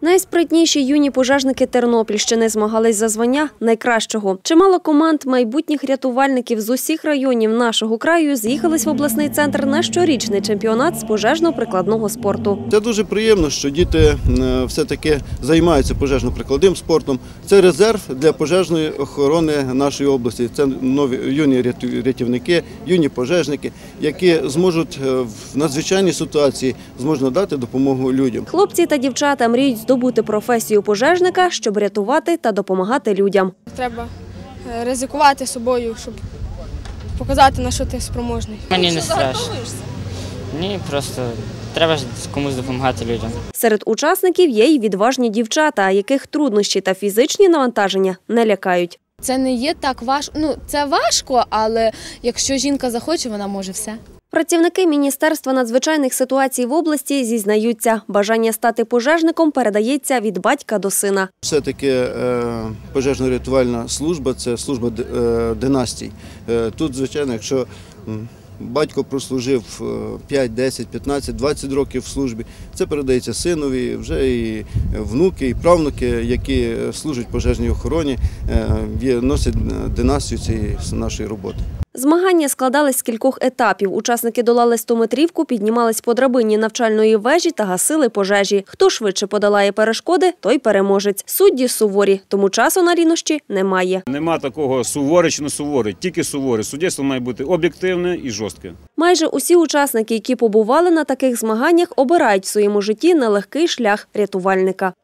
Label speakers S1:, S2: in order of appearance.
S1: Найспритніші юні пожежники Тернопільщини змагались за звання найкращого. Чимало команд майбутніх рятувальників з усіх районів нашого краю з'їхались в обласний центр на щорічний чемпіонат з пожежно-прикладного спорту.
S2: Це дуже приємно, що діти все-таки займаються пожежно-прикладним спортом. Це резерв для пожежної охорони нашої області. Це нові юні рятівники, юні пожежники, які зможуть в надзвичайній ситуації надати допомогу людям.
S1: Хлопці та дівчата мріють здобути професію пожежника, щоб рятувати та допомагати людям.
S3: Треба ризикувати собою, щоб показати, на що ти спроможний.
S4: Мені не страшно. Ні, просто треба комусь допомагати людям.
S1: Серед учасників є й відважні дівчата, яких труднощі та фізичні навантаження не лякають.
S5: Це не є так важко. Це важко, але якщо жінка захоче, вона може все.
S1: Працівники Міністерства надзвичайних ситуацій в області зізнаються, бажання стати пожежником передається від батька до сина.
S2: Все-таки пожежно-рятувальна служба – це служба династій. Тут, звичайно, якщо батько прослужив 5, 10, 15, 20 років в службі, це передається синові, вже і внуки, і правнуки, які служать пожежній охороні, носять династію цієї нашої роботи.
S1: Змагання складались з кількох етапів. Учасники долали 100-метрівку, піднімались по драбині навчальної вежі та гасили пожежі. Хто швидше подолає перешкоди, той переможець. Судді суворі, тому часу на рівнощі немає.
S6: Нема такого суворий чи не суворий, тільки суворий. Суддівство має бути об'єктивне і жорстке.
S1: Майже усі учасники, які побували на таких змаганнях, обирають в своєму житті нелегкий шлях рятувальника.